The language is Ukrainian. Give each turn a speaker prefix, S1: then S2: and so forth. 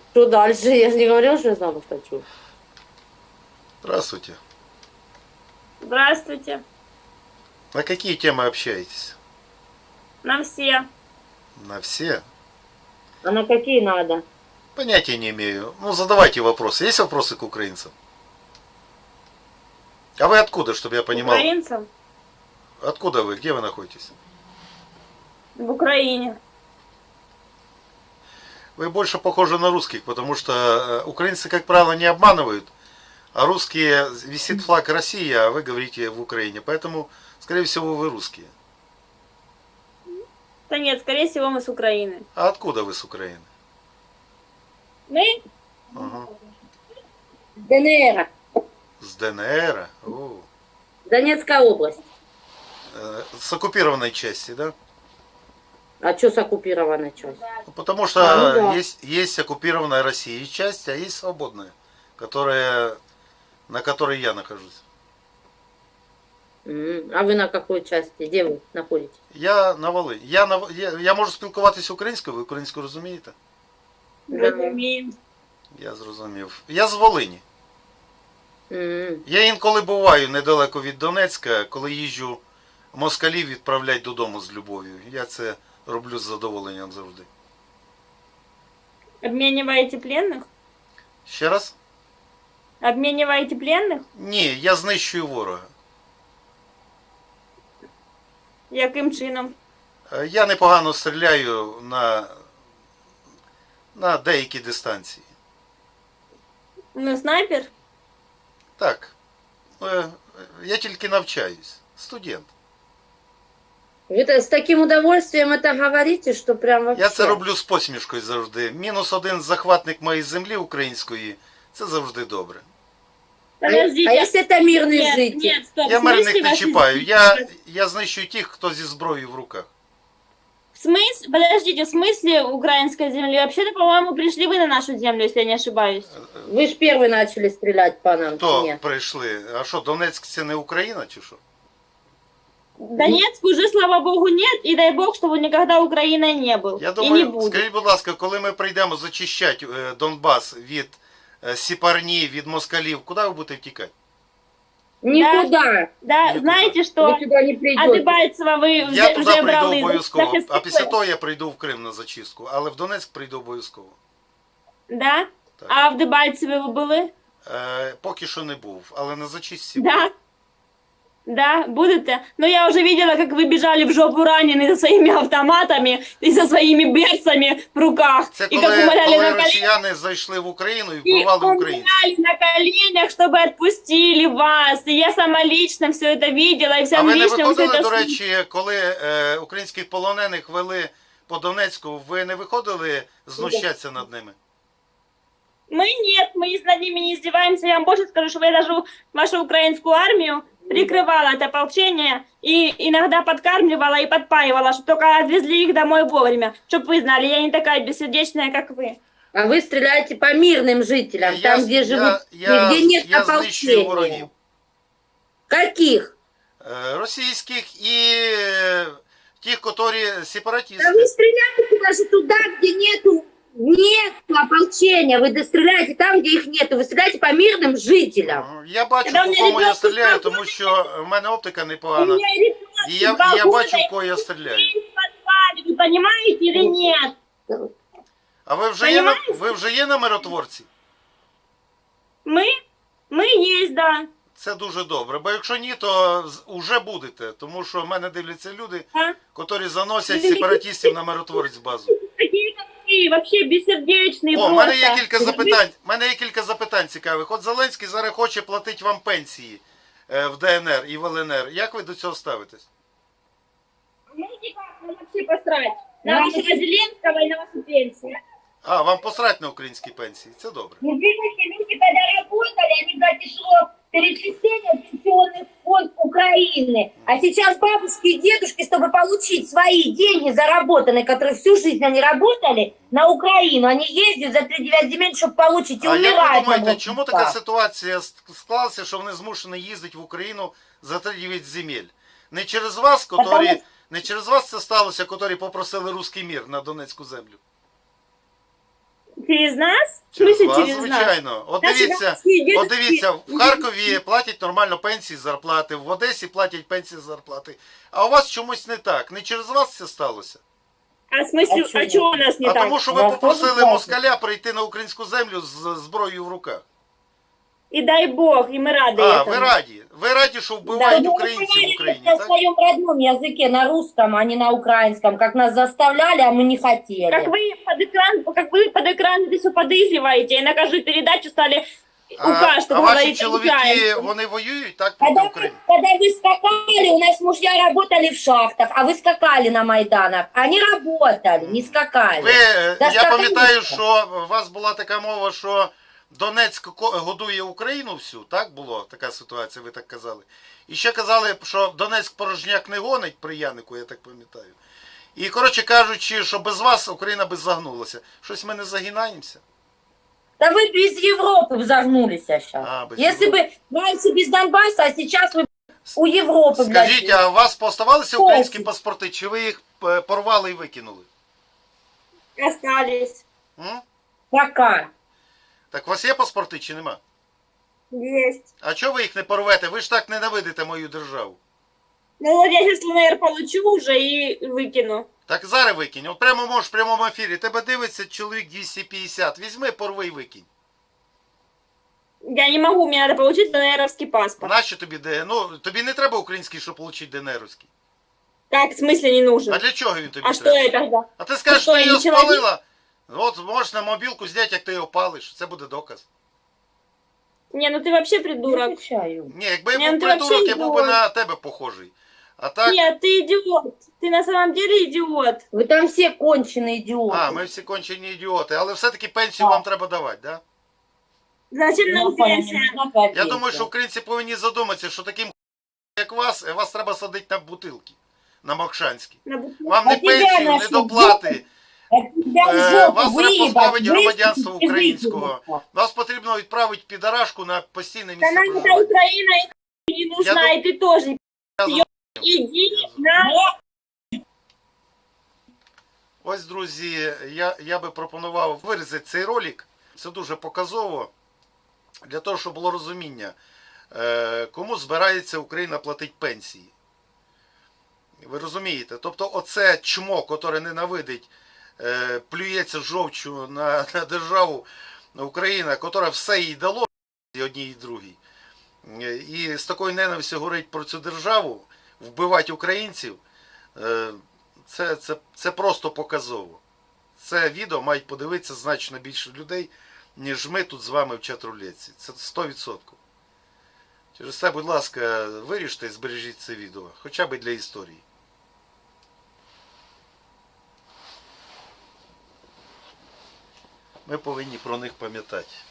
S1: Что дальше? Я же не говорила, что я замуж хочу.
S2: Здравствуйте.
S3: Здравствуйте.
S2: На какие темы общаетесь?
S3: На все.
S2: На все?
S1: А на какие надо?
S2: Понятия не имею. Ну, задавайте вопросы. Есть вопросы к украинцам? А вы откуда, чтобы я понимал?
S3: Украинцам
S2: Откуда вы? Где вы находитесь?
S3: в Украине.
S2: Вы больше похожи на русских, потому что украинцы, как правило, не обманывают, а русские висит флаг России, а вы говорите в Украине. Поэтому, скорее всего, вы русские.
S3: Да нет, скорее всего, мы с Украины.
S2: А откуда вы с Украины?
S3: Мы?
S2: Ага.
S1: ДНР.
S2: С ДНР? О.
S1: Донецкая область.
S2: С оккупированной части, да?
S1: А что с оккупированной частью?
S2: Ну, потому что
S1: Ну да.
S2: есть оккупированная Россией часть, а есть свободная, на которой я нахожусь.
S1: А ви на какой части? Де ви знаходитесь?
S2: Я на Волині. Я можу спілкуватися українською, ви українську розумієте?
S3: Розумію.
S2: Я зрозумів. Я з Волині.
S1: М.
S2: Я інколи буваю недалеко від Донецька, коли їжджу москалів відправляти додому з любов'ю. Я це роблю з задоволенням завжди.
S3: Обмениваете пленных?
S2: Ще раз?
S3: Обмениваете пленных?
S2: Ні, я знищую ворога.
S3: Яким чином?
S2: Я непогано стріляю на деякі дистанції.
S3: Ну, снайпер?
S2: Так. Я тільки навчаюсь. Студент.
S1: Вы с таким удовольствием это говорите, что прям вообще...
S2: Я це роблю з посмішкою завжди. -1 захватник моєї землі української. Це завжди добре.
S3: Подождите.
S1: А если это мирный
S3: Нет,
S1: житель?
S3: нет, стоп.
S2: Я
S3: В
S2: мирних
S3: смысле
S2: не
S3: вас
S2: чіпаю.
S3: из-
S2: Я знищую тих, хто зі зброєю в руках.
S3: В смысле? Подождите, в смысле украинской земли? Вообще-то, по-моему, пришли вы на нашу землю, если я не ошибаюсь.
S1: Вы ж первый начали стрелять по нам.
S2: Хто
S1: Нет.
S2: прийшли? А що, Донецьк це не Україна чи що?
S3: Донецк уже, слава богу, нет, и дай бог, чтобы он никогда Украиной не был.
S2: Я
S3: и не
S2: думаю,
S3: будет.
S2: скажіть, будь ласка, коли ми прийдемо зачищати Донбас від Сіпарні, від москалів, куди ви будете втікати?
S1: Никуда.
S3: Да,
S2: Никуда.
S3: знаете, что
S1: Вы сюда не
S3: от
S1: придете.
S3: Дебальцева вы
S2: Я
S3: уже
S2: туди прийду
S3: брали
S2: обов'язково, а
S3: захистили.
S2: після того я прийду в Крим на зачистку, але в Донецьк прийду обов'язково.
S3: Да?
S2: Так.
S3: А в Дебальцеве ви були?
S2: Поки що не був, але на зачистці.
S3: Да. Да, будете? Но я уже видела, как вы бежали в жопу раненые со своими автоматами и со своими берцами в руках.
S2: Це
S3: и как
S2: коли,
S3: умоляли
S2: коли
S3: на коленях,
S2: росіяни зайшли в Україну і
S3: и
S2: вбивали українців.
S3: умоляли на коленях, чтобы отпустили вас. И я сама лично все это видела, и
S2: А
S3: всем
S2: ви не
S3: лично все
S2: виходили,
S3: это
S2: до речі, коли українських полонених вели по Донецьку, ви не виходили знущатися над ними?
S3: Мы нет, мы над ними не издеваемся. Я вам больше скажу, что я даже вашу украинскую армию прикрывала это ополчение и иногда подкармливала и подпаивала, чтобы только отвезли их домой вовремя. Чтобы вы знали, я не такая бессердечная, как вы.
S1: А вы стреляете по мирным жителям, там, где живут, где нет
S2: я знищую ворогів.
S1: ополчения. Каких?
S2: Російських і тих, котрі
S1: Да
S2: сепаратисти.
S1: вы стреляете даже туда, где нет ополчения. Вы стреляете там, где их нету. Вы стреляете по мирным жителям.
S2: Я бачу,
S3: Когда у
S2: по
S3: мене
S2: кому я
S3: ребенок
S2: стріляю,
S3: спав,
S2: тому що в мене оптика
S3: У
S2: непогана.
S3: меня ребенок
S2: І я
S3: балкона,
S2: бачу, в кого я стріляю.
S3: в подвале, вы понимаете или нет?
S2: А ви вже є на миротворці?
S3: Мы есть, да.
S2: Це дуже добре, бо якщо ні, то вже будете, тому що в мене дивляться люди,
S3: А?
S2: котрі заносять сепаратистів на миротворець базу.
S3: Какие-то вы вообще бессердечные
S2: О, в
S3: просто.
S2: мене є кілька запитань цікавих. От Зеленський зараз хоче платити вам пенсії в ДНР і в ЛНР. Як ви до цього ставитесь?
S3: Ну никак, нам вообще посрать. На
S1: Нам
S3: вашего Зеленского и на вашу пенсию.
S2: А, вам посрать на українські пенсії, це добре.
S4: Извините, люди, когда работали, они брали шло перечисление в пенсионный фонд Украины. А сейчас бабушки и дедушки, чтобы получить свои деньги заработанные, которые всю жизнь они работали, на Украину, они ездят за 3-9 земель, чтобы получить и
S2: А як ви
S4: умирать.
S2: думаєте, чому така ситуація склалася, що вони змушені їздити в Україну за 3-9 земель? Не через вас, не через вас це сталося, котрі попросили русський мір на Донецьку землю?
S3: Через нас?
S2: Через
S3: смысле
S2: вас,
S3: через нас?
S2: звичайно. От
S3: Наші
S2: дивіться,
S3: бабусі, дідусі-
S2: от дивіться, в Харкові платять нормально пенсії, зарплати, в Одесі платять пенсії, зарплати. А у вас чомусь не так. Не через вас це сталося.
S3: А в смысле,
S4: А
S3: а
S4: чё?
S3: чего у нас не
S2: А
S3: так?
S2: тому, що ви
S4: Вас теж
S2: попросили
S4: платять?
S2: москаля прийти на українську землю з зброєю в руках.
S3: И дай бог, и мы рады
S2: А,
S3: этому.
S2: ви раді. Ви раді, що вбивають
S4: Да,
S2: українців в Україні,
S4: на
S2: так?
S4: своем родном языке, на русском, а не на украинском, как нас заставляли, а мы не хотели.
S3: Как вы под экран это все подыгрываете, и на каждую передачу стали указ, чтобы
S2: А ваші
S3: говорить
S2: чоловіки,
S3: украинском.
S2: вони воюють, так, проти України?
S4: Когда вы скакали, у нас мужья работали в шахтах, а вы скакали на Майданах. Они работали, не скакали.
S2: Ви,
S4: Да
S2: я
S4: скакали.
S2: пам'ятаю, що у вас була така мова, що Донецьк годує Україну всю, так було така ситуація, ви так казали. І ще казали, що Донецьк порожняк не гонить при Янику, я так пам'ятаю. І, коротше кажучи, що без вас Україна би загнулася. Щось ми не загинаємося.
S4: Да вы без Европы взогнулись сейчас.
S2: А, без
S4: Если
S2: Европы.
S4: бы раньше без Донбасса, а сейчас вы у Европы,
S2: Скажіть,
S4: блядь.
S2: а у вас поставалися українські паспорти, чи ви їх порвали і викинули?
S3: Остались.
S2: М?
S4: Пока.
S2: Так у вас є паспорти чи нема?
S3: Есть.
S2: А чого ви їх не порвете? Ви ж так ненавидите мою державу.
S3: Ну вот я сейчас ЛНР получу уже и выкину.
S2: Так зараз викинь. От прямо можеш в прямому ефірі. Тебе дивиться чоловік 250. Візьми, порви і викинь.
S3: Я не могу, мне надо получить ЛНРовский паспорт.
S2: Нащо тобі де? Ну, тобі не треба український, щоб отримати ДНРовський.
S3: Так, в смысле не нужен?
S2: А для чого він тобі
S3: А что
S2: треба?
S3: я тогда?
S2: А ти скажеш,
S3: що,
S2: що ти
S3: я
S2: його
S3: не чоловік?
S2: спалила. От можеш на мобілку зняти, як ти його палиш. Це буде доказ.
S3: Не, ну ты вообще
S4: Я
S3: придурок.
S4: отвечаю.
S2: Ні, якби я
S3: Ні, ну
S2: був
S3: ти
S2: придурок,
S3: вообще
S2: я був би
S3: ідіот.
S2: на тебе похожий. А так,
S3: Нет, ты идиот. Ты на самом деле идиот.
S4: Вы там все конченые идиоты.
S2: а, ми всі кончені ідіоти. Але все-таки пенсію
S4: Так.
S2: вам треба давати, да?
S3: Зачем
S4: Ну,
S3: нам
S4: понятно,
S3: пенсия?
S4: нужна какая
S2: Я
S4: пенсия.
S2: думаю, що українці повинні задуматися, що таким як вас треба садити на бутилки. На Мокшанські.
S3: На бутылку.
S2: Вам не
S4: А тебя
S2: пенсію,
S4: на
S2: не
S4: що,
S2: доплати.
S4: А тебя в жопу
S2: вас треба
S4: выебать,
S2: позбавити
S4: выскочить
S2: громадянства
S4: и
S2: українського.
S4: выкинуть.
S2: Вас потрібно відправити підарашку на постійне
S3: Да
S2: місце
S3: нам эта
S2: проживання.
S3: Украина и не нужна,
S2: Я
S3: и ты тоже.
S2: Я зрозумів.
S3: Иди на...
S2: Ось, друзі, я би пропонував вирізати цей ролик. Це дуже показово. Для того, щоб було розуміння, кому збирається Україна платити пенсії. Ви розумієте? Тобто оце чмо, котре ненавидить, плюється жовчу на державу Україна, котра все їй дало, і одній і другій. І з такою ненавистю говорить про цю державу, вбивати українців, це просто показово. Це відео мають подивитися значно більше людей, ніж ми тут з вами в чат-рулетці. Це 100%. Через це, будь ласка, виріште і збережіть це відео, хоча б для історії. Ми повинні про них пам'ятати.